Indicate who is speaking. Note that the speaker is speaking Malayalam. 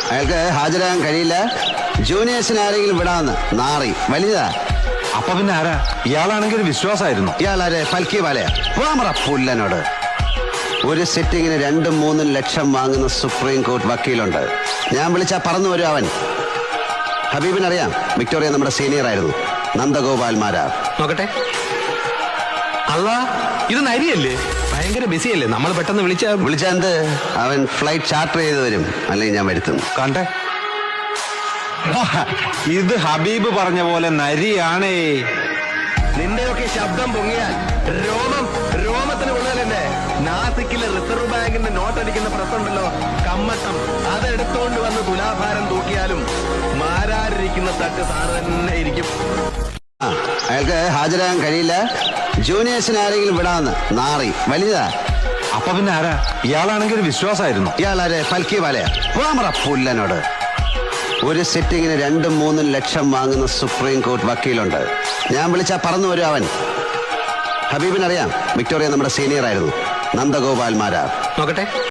Speaker 1: അയാൾക്ക് ഹാജരാകാൻ കഴിയില്ല. ജൂനിയേഴ്സിന് ആരെങ്കിലും വിടാന്ന് നാറി വലുതാ.
Speaker 2: അപ്പൊ പിന്നെ ആരാ? ഇയാളാണെങ്കിൽ ഒരു വിശ്വാസമായിരുന്നു.
Speaker 1: ഇയാളാരെ ഫൽക്കി വാലയാ? വാമറ പുല്ലനോട്. ഒരു സിറ്റിങ്ങിന് 2-3 ലക്ഷം വാങ്ങുന്ന സുപ്രീം കോർട്ട് വക്കീലുണ്ട്. ഞാൻ വിളിച്ചാ പറന്നു വരും അവൻ. ഹബീബിനറിയാം, വിക്ടോറിയ നമ്മുടെ സീനിയർ ആയിരുന്നു. നന്ദഗോപാൽ മാരാർ.
Speaker 3: നോക്കട്ടെ. അല്ല, ഇത് നരിയല്ലേ? ഭയങ്കര ബിസിയല്ലേ? നമ്മൾ പെട്ടെന്ന്
Speaker 1: വിളിച്ചാ എന്ത്? അവൻ ഫ്ലൈറ്റ് ചാർട്ടർ ചെയ്ത് വരും, അല്ലെങ്കിൽ ഞാൻ വരുത്തും.
Speaker 2: കണ്ടേ, ഇത് ഹബീബ് പറഞ്ഞ പോലെ നരിയാണേ.
Speaker 3: നിന്റെയൊക്കെ ശബ്ദം പൊങ്ങിയാൽ രോമത്തിന് കൊള്ളാലെന്നെ. നാസിക്കിലെ റിസർവ് ബാങ്കിന്റെ നോട്ടടിക്കുന്ന പ്രസുണ്ടല്ലോ, കമ്മട്ടം, അതെടുത്തോണ്ട് വന്ന് തുലാഭാരം തൂക്കിയാലും മാരാരിരിക്കുന്ന തട്ട് സാറ് തന്നെ ഇരിക്കും.
Speaker 1: അയാൾക്ക് ഹാജരാകാൻ കഴിയില്ല. ജൂനിയേഴ്സിന് ആരെങ്കിലും വിടാന്ന് നാറി വലുതാ.
Speaker 2: അപ്പൊ പിന്നെ ആരാ? ഇയാളാണെങ്കിൽ ഒരു വിശ്വാസമായിരുന്നു.
Speaker 1: ഇയാളാരെ ഫൽക്കി വാലയാ? വാമറ പുല്ലനോട്. ഒരു സിറ്റിങ്ങിന് 2-3 ലക്ഷം വാങ്ങുന്ന സുപ്രീം കോർട്ട് വക്കീലുണ്ട്. ഞാൻ വിളിച്ചാ പറന്നു വരും അവൻ. ഹബീബിനറിയാം, വിക്ടോറിയ നമ്മുടെ സീനിയർ ആയിരുന്നു. നന്ദഗോപാൽ മാരാർ.
Speaker 3: നോക്കട്ടെ.